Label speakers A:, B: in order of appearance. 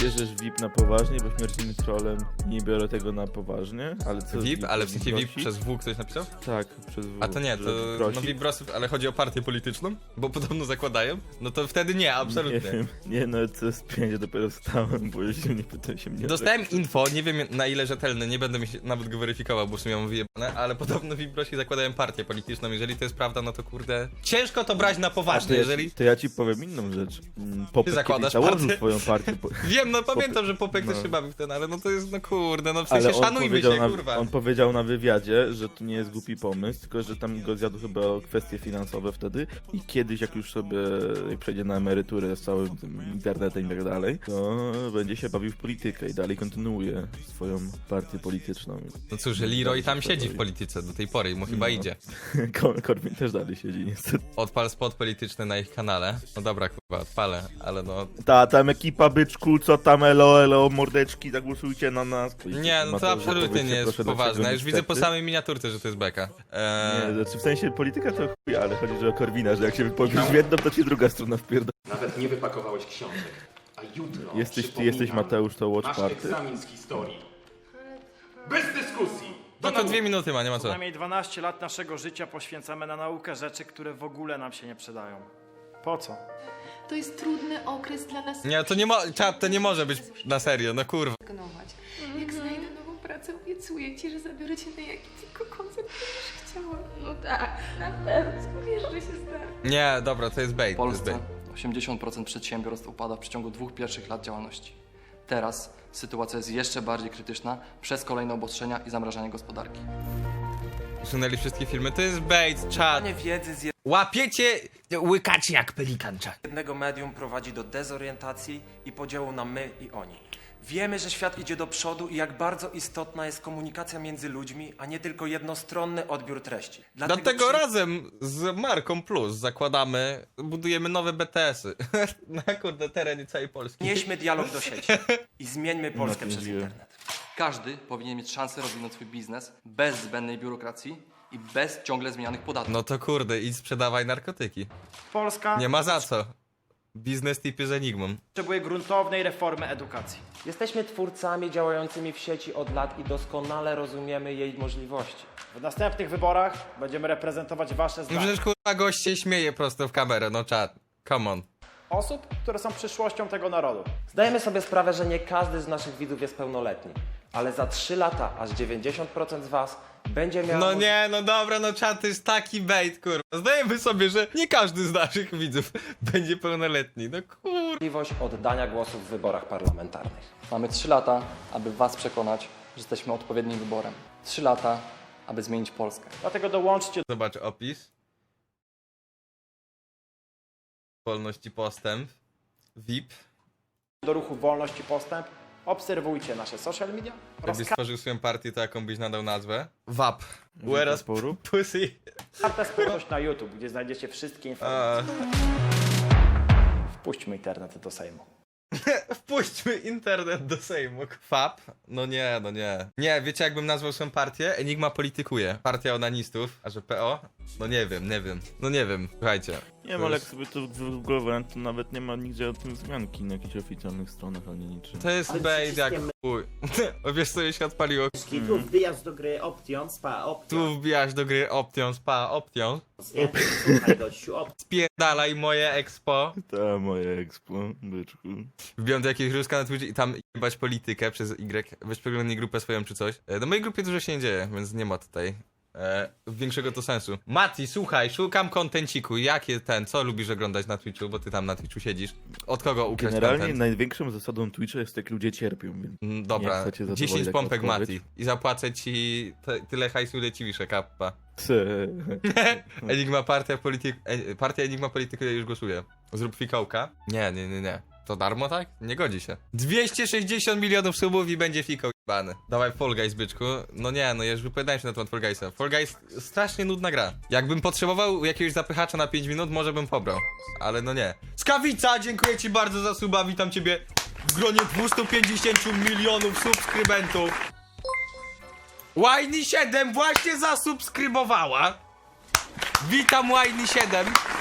A: bierzesz VIP na poważnie, bo śmiertelnym trollem nie biorę tego na poważnie, ale co
B: VIP? Ale w sensie VIP
A: prosi?
B: przez W ktoś napisał?
A: Tak, przez W.
B: A to nie, to no VIP brosów, ale chodzi o partię polityczną? Bo podobno zakładają? No to wtedy nie, absolutnie.
A: Nie wiem, nie no, co z pięć dopiero wstałem, bo się nie pytał się mnie.
B: Dostałem info, nie wiem na ile rzetelne, nie będę nawet go weryfikował, bo w sumie mam wyjebane, ale podobno VIP brosi zakładają partię polityczną, jeżeli to jest prawda, no to kurde... Ciężko to brać na poważnie, jeżeli...
A: To ja ci powiem inną rzecz. Popek
B: zakładasz
A: założył
B: partię?
A: swoją partię.
B: Wiem, no pamiętam, że Popek też
A: no.
B: się bawił w ten, ale no to jest, no kurde, no w sensie
A: Ale on
B: szanujmy się, kurwa.
A: On powiedział na wywiadzie, że to nie jest głupi pomysł, tylko że tam go zjadł chyba o kwestie finansowe wtedy i kiedyś jak już sobie przejdzie na emeryturę z całym tym internetem i tak dalej, to będzie się bawił w politykę i dalej kontynuuje swoją partię polityczną.
B: No cóż, Leroy tam siedzi w polityce do tej pory i mu chyba idzie.
A: Korwin też dalej siedzi niestety.
B: Odpal spot polityczny na ich kanale. No dobra, kurwa, odpalę, ale no...
A: Tam ekipa byczku, co tam elo, mordeczki, zagłosujcie na nas.
B: Nie, no to absolutnie nie jest poważne. Ja już widzę po samej miniaturce, że to jest beka.
A: Nie, znaczy w sensie polityka to chuj, ale chodzi, że o Korwina, że jak się wypowiesz w jedną, to ci druga strona wpierda.
C: Nawet nie wypakowałeś książek. A jutro
A: Ty jesteś Mateusz, to Watch
C: masz
A: Party?
C: egzamin z historii. Bez dyskusji!
B: No to 2 minuty ma, nie ma co.
D: Przynajmniej 12 lat naszego życia poświęcamy na naukę rzeczy, które w ogóle nam się nie przydają. Po co?
E: To jest trudny okres dla nas.
B: Nie, to nie może być na serio, no kurwa.
E: Jak znajdę nową pracę, obiecuję ci, że zabiorę cię na jaki tylko koncert będziesz chciała. No tak, na pewno. Wiesz, że się zda.
B: Nie, dobra, to jest bait.
F: W
B: To jest
F: Polsce
B: bait.
F: 80% przedsiębiorstw upada w przeciągu 2 pierwszych lat działalności. Teraz sytuacja jest jeszcze bardziej krytyczna przez kolejne obostrzenia i zamrażanie gospodarki.
B: Usunęli wszystkie filmy, to jest bait, czad.
G: Wiedzy z
B: Łapiecie, łykacie jak pelikan, czad.
G: jednego medium prowadzi do dezorientacji i podziału na my i oni. Wiemy, że świat idzie do przodu i jak bardzo istotna jest komunikacja między ludźmi, a nie tylko jednostronny odbiór treści.
B: Dlatego razem z Marką Plus budujemy nowe BTS-y na kurde terenie całej Polski.
G: Nieśmy dialog do sieci i zmieńmy Polskę przez internet.
F: Każdy powinien mieć szansę rozwinąć swój biznes bez zbędnej biurokracji i bez ciągle zmienianych podatków.
B: No to kurde, idź sprzedawaj narkotyki.
D: Polska
B: Nie ma za co. Biznes tipy z Enigmą.
D: potrzebuje gruntownej reformy edukacji.
G: Jesteśmy twórcami działającymi w sieci od lat i doskonale rozumiemy jej możliwości.
D: W następnych wyborach będziemy reprezentować wasze
B: No
D: zdanie.
B: przecież kurwa gość się śmieje prosto w kamerę, no czad. Come on.
D: Osób, które są przyszłością tego narodu.
G: Zdajemy sobie sprawę, że nie każdy z naszych widzów jest pełnoletni, ale za 3 lata aż 90% z was będzie miało
B: No nie, no dobra, no czad, to jest taki bait, kurwa. Zdajemy sobie, że nie każdy z naszych widzów będzie pełnoletni, no kurwa.
G: możliwość oddania głosu w wyborach parlamentarnych.
F: Mamy 3 lata, aby was przekonać, że jesteśmy odpowiednim wyborem. 3 lata, aby zmienić Polskę.
D: Dlatego dołączcie
B: Zobacz opis. Wolność i postęp. VIP.
D: do ruchu Wolność i Postęp. Obserwujcie nasze social media oraz
B: Jakbyś stworzył swoją partię, to jaką byś nadał nazwę? WAP. Whereas pussy.
D: kartę społeczność na YouTube, gdzie znajdziecie wszystkie informacje. Wpuśćmy internet do Sejmu.
B: Wpuśćmy internet do Sejmu. FAP? No nie, no nie. Nie, wiecie jakbym nazwał swoją partię? Enigma politykuje. Partia onanistów. A że PO? No nie wiem. No nie wiem, słuchajcie.
A: Nie wiem, ale jak sobie to wygooglowałem, to nawet nie ma nigdzie o tym wzmianki na jakichś oficjalnych stronach, ani niczym.
B: To jest bait jak chuj. O, wiesz co się odpaliło?
H: Tu wbijasz do gry Option, spa, Option.
B: Tu wbijasz do gry Option, spa, Option.
H: Nie? Słuchaj gościu, Option.
B: Spierdalaj moje expo.
A: Ta moje expo, byczku.
B: Wbijam do jakiegoś ruska na Twitch i tam jebać politykę przez Y. Weź przeglądnij grupę swoją czy coś. Na mojej grupie dużo się nie dzieje, więc nie ma tutaj większego to sensu. Mati, słuchaj, szukam kontenciku. Co lubisz oglądać na Twitchu, bo ty tam na Twitchu siedzisz. Od kogo ukraść
A: Generalnie
B: content?
A: największą zasadą Twitcha jest, jak ludzie cierpią, więc
B: Dobra,
A: nie chcę cię
B: 10
A: zadowolić
B: pompek
A: jako odpowiedź.
B: Mati. I zapłacę ci tyle hajsu, ile ci wiszę, kappa. Partia Enigma Polityku, ja już głosuję. Zrób fikołka. Nie. To darmo, tak? Nie godzi się. 260 milionów subów i będzie fikoł jebany. Dawaj Fall Guys, byczku. No nie, no ja już wypowiadałem się na temat Fall Guysa. Fall Guys strasznie nudna gra. Jakbym potrzebował jakiegoś zapychacza na 5 minut, może bym pobrał. Ale no nie. Skawica, dziękuję ci bardzo za suba. Witam ciebie w gronie 250 milionów subskrybentów. Wajny 7 właśnie zasubskrybowała. Witam Wajny 7.